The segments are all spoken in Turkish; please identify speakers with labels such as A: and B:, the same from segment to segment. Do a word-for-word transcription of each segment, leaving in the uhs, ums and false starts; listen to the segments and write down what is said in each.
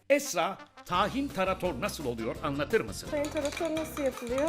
A: Esra, tahin tarator nasıl oluyor anlatır mısın?
B: Tahin tarator nasıl yapılıyor?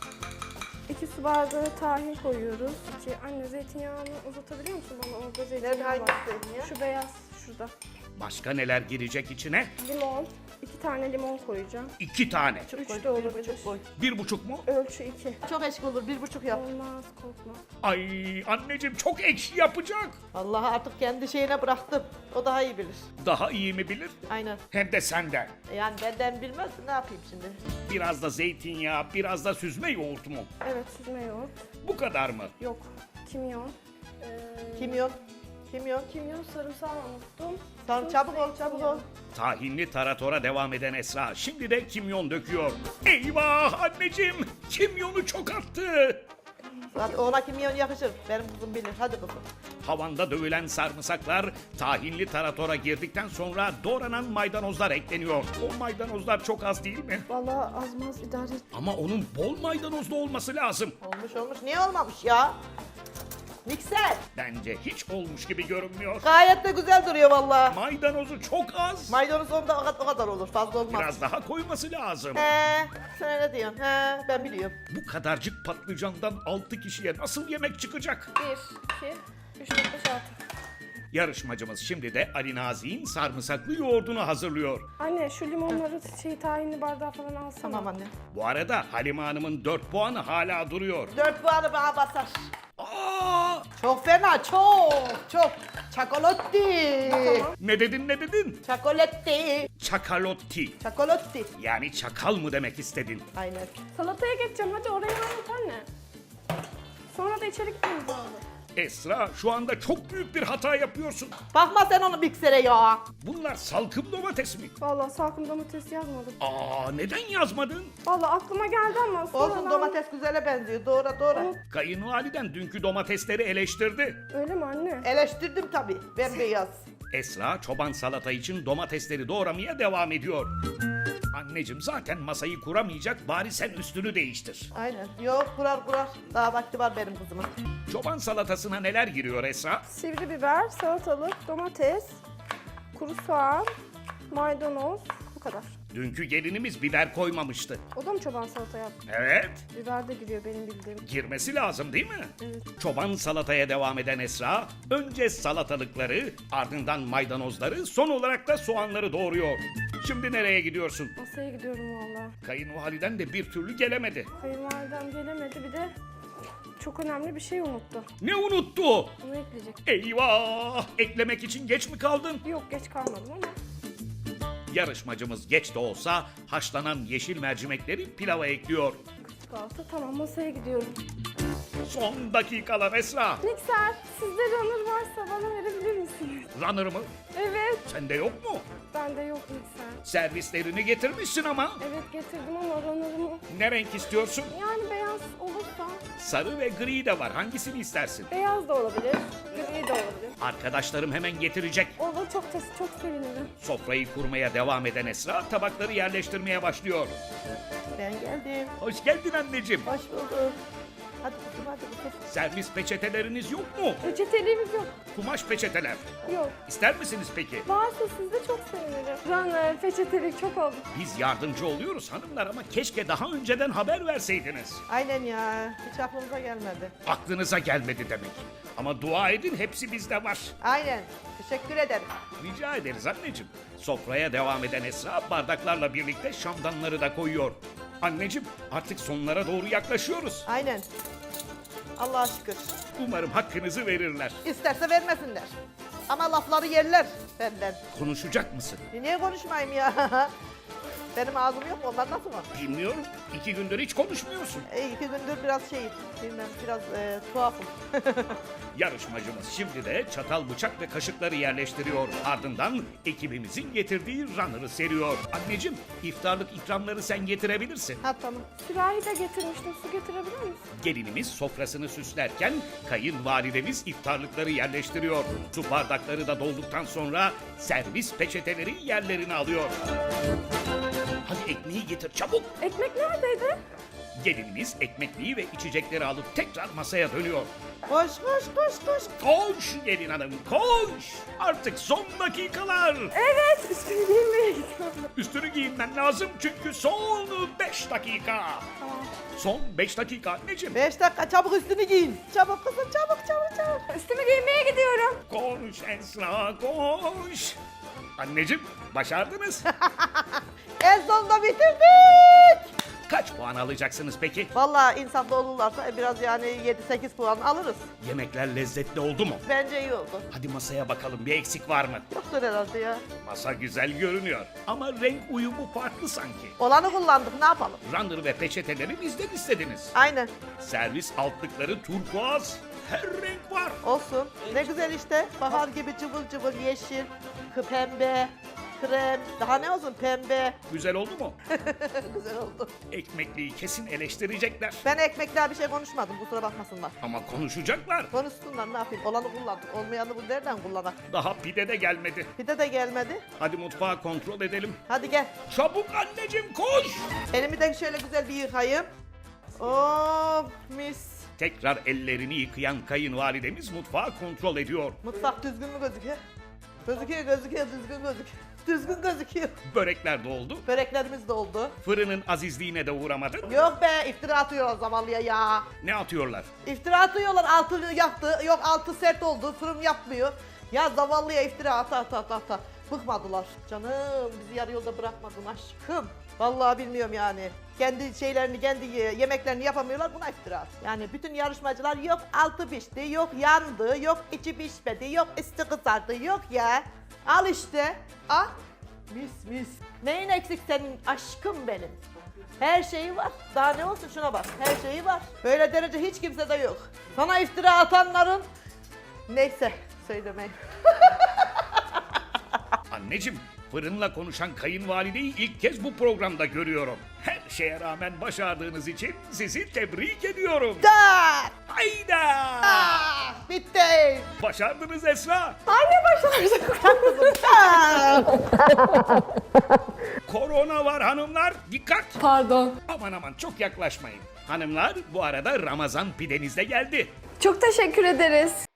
B: İki su bardağı tahin koyuyoruz. İki, anne zeytinyağını uzatabiliyor musun bana? Orada zeytinyağı
C: hangi
B: var.
C: zeytinyağı?
B: Şu beyaz şurada.
A: Başka neler girecek içine?
B: Limon. iki tane limon koyacağım.
A: İki tane.
B: Üç
C: Koy,
B: de
C: bir
B: olabilir.
C: buçuk koy.
A: Bir buçuk mu?
B: Ölçü iki.
C: Çok eşik olur, bir buçuk yap.
B: Olmaz, korkma.
A: Ay anneciğim çok ekşi yapacak.
C: Vallahi artık kendi şeyine bıraktım. O daha iyi bilir.
A: Daha iyi mi bilir?
C: Aynen.
A: Hem de senden.
C: Yani benden bilmez, ne yapayım şimdi?
A: Biraz da zeytinyağı, biraz da süzme yoğurt mu?
B: Evet, süzme yoğurt.
A: Bu kadar mı?
B: Yok, kimyon. Ee,
C: Kimyon. Kimyon.
B: Kimyon, sarımsağı unuttum.
C: Tamam,
B: Tuz,
C: çabuk ol, çabuk
B: zeytinyağı.
C: ol.
A: Tahinli taratora devam eden Esra şimdi de kimyon döküyor. Eyvah anneciğim kimyonu çok attı.
C: Hadi ona kimyon yakışır. Benim kızım bilir. Hadi kızım.
A: Havanda dövülen sarımsaklar tahinli taratora girdikten sonra doğranan maydanozlar ekleniyor. O maydanozlar çok az değil mi?
B: Vallahi azmaz idare et.
A: Ama onun bol maydanozlu olması lazım.
C: Olmuş olmuş. Niye olmamış ya? Mikser.
A: Bence hiç olmuş gibi görünmüyor.
C: Gayet de güzel duruyor vallahi.
A: Maydanozu çok az.
C: Maydanoz onda o kadar, o kadar olur. Fazla olmaz.
A: Biraz daha koyması lazım.
C: He, sen ne diyorsun? He, ben biliyorum.
A: Bu kadarcık patlıcandan altı kişiye nasıl yemek çıkacak?
B: Bir, iki, üç, dört, beş, altı.
A: Yarışmacımız şimdi de Ali Nazi'nin sarımsaklı yoğurdunu hazırlıyor.
B: Anne şu limonları şey tahinli bardağı falan alsana.
C: Tamam anne.
A: Bu arada Halime Hanım'ın dört puanı hala duruyor.
C: Dört puanı bana basar.
A: Aa!
C: Çok fena, çok, çok. Çakolotti.
A: Ne dedin ne dedin?
C: Çakolotti.
A: Çakalotti.
C: Çakolotti.
A: Yani çakal mı demek istedin?
C: Aynen.
B: Salataya geçeceğim, hadi orayı anlat anne. Sonra da içeri gitmemiz lazım.
A: Esra şu anda çok büyük bir hata yapıyorsun.
C: Bakma sen onu miksere ya.
A: Bunlar salkım domates mi?
B: Vallahi salkım domates yazmadım.
A: Aa neden yazmadın?
B: Vallahi aklıma geldi ama
C: Olsun,
B: sonradan-
C: domates güzele benziyor. Doğru doğru.
A: Kayınvaliden dünkü domatesleri eleştirdi.
B: Öyle mi anne?
C: Eleştirdim tabii. Bembeyaz.
A: Esra çoban salata için domatesleri doğramaya devam ediyor. Anneciğim zaten masayı kuramayacak bari sen üstünü değiştir.
C: Aynen. Yok, kurar kurar. Daha vakti var benim kızımın.
A: Çoban salatasına neler giriyor Esra?
B: Sivri biber, salatalık, domates, kuru soğan, maydanoz, bu kadar.
A: Dünkü gelinimiz biber koymamıştı.
B: O da mı çoban salata yaptı?
A: Evet,
B: Biber de giriyor benim bildiğim.
A: girmesi lazım değil mi?
B: Evet.
A: Çoban salataya devam eden Esra, önce salatalıkları, ardından maydanozları, son olarak da soğanları doğuruyor. Şimdi nereye gidiyorsun?
B: Masaya gidiyorum vallahi.
A: Kayınvaliden de bir türlü gelemedi.
B: Kayınvalidem gelemedi, bir de çok önemli bir şey unuttu.
A: Ne unuttu?
B: Onu ekleyecek.
A: Eyvah! Eklemek için geç mi kaldın?
B: Yok, geç kalmadım ama.
A: Yarışmacımız geç de olsa haşlanan yeşil mercimekleri pilava ekliyor.
B: Salata tamam, masaya gidiyorum.
A: Son dakikalar Esra.
B: Mikser, sizde runner varsa bana verebilir misiniz?
A: Runner mı?
B: Evet.
A: Sende yok mu?
B: Bende yok mikser.
A: Servislerini getirmişsin ama.
B: Evet getirdim ama runner'ımı.
A: Ne renk istiyorsun?
B: Yani beyaz olursa.
A: Sarı ve gri de var. Hangisini istersin?
B: Beyaz da olabilir, gri de olabilir.
A: Arkadaşlarım hemen getirecek.
B: Olur, çok tes- çok sevinirim.
A: Sofrayı kurmaya devam eden Esra tabakları yerleştirmeye başlıyor.
C: Ben geldim.
A: Hoş geldin anneciğim.
C: Hoş bulduk. Hadi kızım, hadi kızım.
A: Servis peçeteleriniz yok mu?
B: Reçeteliğimiz yok.
A: Kumaş peçeteler.
B: Yok.
A: İster misiniz peki?
B: Varsa sizde çok sevinirim. Runner, peçetelik çok oldu.
A: Biz yardımcı oluyoruz hanımlar ama keşke daha önceden haber verseydiniz.
C: Aynen ya. Hiç aklımıza gelmedi.
A: Aklınıza gelmedi demek. Ama dua edin hepsi bizde var.
C: Aynen. Teşekkür ederim.
A: Rica ederiz anneciğim. Sofraya devam eden Esra bardaklarla birlikte şamdanları da koyuyor. Anneciğim artık sonlara doğru yaklaşıyoruz.
C: Aynen. Allah'a şükür.
A: Umarım hakkınızı verirler.
C: İsterse vermesinler. Ama lafları yerler benden.
A: Konuşacak mısın?
C: E niye konuşmayayım ya? Benim ağzım yok mu? Onlar nasıl mı?
A: Bilmiyorum. İki gündür hiç konuşmuyorsun.
C: E, iki gündür biraz şey, bilmem biraz e, tuhafım.
A: Yarışmacımız şimdi de çatal, bıçak ve kaşıkları yerleştiriyor. Ardından ekibimizin getirdiği runner'ı seriyor. Anneciğim iftarlık ikramları sen getirebilirsin.
C: Ha tamam.
B: Sürahi de getirmiştim. Su getirebilir misin?
A: Gelinimiz sofrasını süslerken kayınvalidemiz iftarlıkları yerleştiriyor. Su bardakları da dolduktan sonra servis peçeteleri yerlerini alıyor. Hadi ekmeği getir çabuk.
B: Ekmek neredeydi?
A: Gelinimiz ekmekliği ve içecekleri alıp tekrar masaya dönüyor.
C: Koş koş koş koş.
A: Koş gelin hanım koş. Artık son dakikalar.
B: Evet, üstünü giymeye gidiyorum.
A: Üstünü giyinmen lazım çünkü son beş dakika.
B: Tamam.
A: Son beş dakika anneciğim.
C: Beş dakika çabuk üstünü giyin. Çabuk kızım çabuk çabuk çabuk.
B: Üstümü giymeye gidiyorum.
A: Koş Esra koş. Anneciğim başardınız.
C: En sonunda bitirdik.
A: Kaç puan alacaksınız peki?
C: Vallahi insaflı olurlarsa biraz yani yedi sekiz puan alırız.
A: Yemekler lezzetli oldu mu?
C: Bence iyi oldu.
A: Hadi masaya bakalım bir eksik var mı?
C: Yoktur herhalde ya.
A: Masa güzel görünüyor ama renk uyumu farklı sanki.
C: Olanı kullandık ne yapalım?
A: Runner ve peçeteleri bizden istediniz.
C: Aynen.
A: Servis altlıkları turkuaz. Her renk var.
C: Olsun. Ne güzel işte. Bahar gibi cıvıl cıvıl yeşil, kı- pembe, krem. Daha ne olsun pembe.
A: Güzel oldu mu?
C: Güzel oldu.
A: Ekmekliği kesin eleştirecekler.
C: Ben ekmekler bir şey konuşmadım kusura bakmasınlar.
A: Ama konuşacaklar.
C: Konuşsunlar ne yapayım? Olanı kullandık. Olmayanı bu nereden kullanak?
A: Daha pide de gelmedi.
C: Pide de gelmedi.
A: Hadi mutfağı kontrol edelim.
C: Hadi gel.
A: Çabuk anneciğim koş.
C: Elimi de şöyle güzel bir yıkayayım. Oh mis.
A: Tekrar ellerini yıkayan kayınvalidemiz mutfağı kontrol ediyor.
C: Mutfak düzgün mü gözüküyor? Gözüküyor gözüküyor düzgün gözüküyor. Düzgün gözüküyor.
A: Börekler de oldu.
C: Böreklerimiz de oldu.
A: Fırının azizliğine de uğramadın.
C: Yok be iftira atıyorlar zavallıya ya.
A: Ne atıyorlar?
C: İftira atıyorlar altı yaktı. Yok altı sert oldu fırın yapmıyor. Ya zavallıya iftira ata ata ata ata. Bıkmadılar. Canım bizi yarı yolda bırakmadın aşkım. Vallahi bilmiyorum yani. Kendi şeylerini, kendi ye- yemeklerini yapamıyorlar buna iftira at. Yani bütün yarışmacılar yok altı pişti, yok yandı, yok içi pişmedi, yok üstü kızardı, yok ya. Al işte. Al. Mis mis. Neyin eksik senin aşkım benim? Her şeyi var. Daha ne olsun şuna bak. Her şeyi var. Böyle derece hiç kimsede yok. Sana iftira atanların... Neyse söylemeyin.
A: Anneciğim, fırınla konuşan kayınvalideyi ilk kez bu programda görüyorum. Her şeye rağmen başardığınız için sizi tebrik ediyorum.
C: Da!
A: Hayda!
C: Ah, bitti.
A: Başardınız Esra.
B: Anne başardık.
A: Korona var hanımlar. Dikkat!
B: Pardon.
A: Aman aman çok yaklaşmayın. Hanımlar bu arada Ramazan pideniz de geldi.
B: Çok teşekkür ederiz.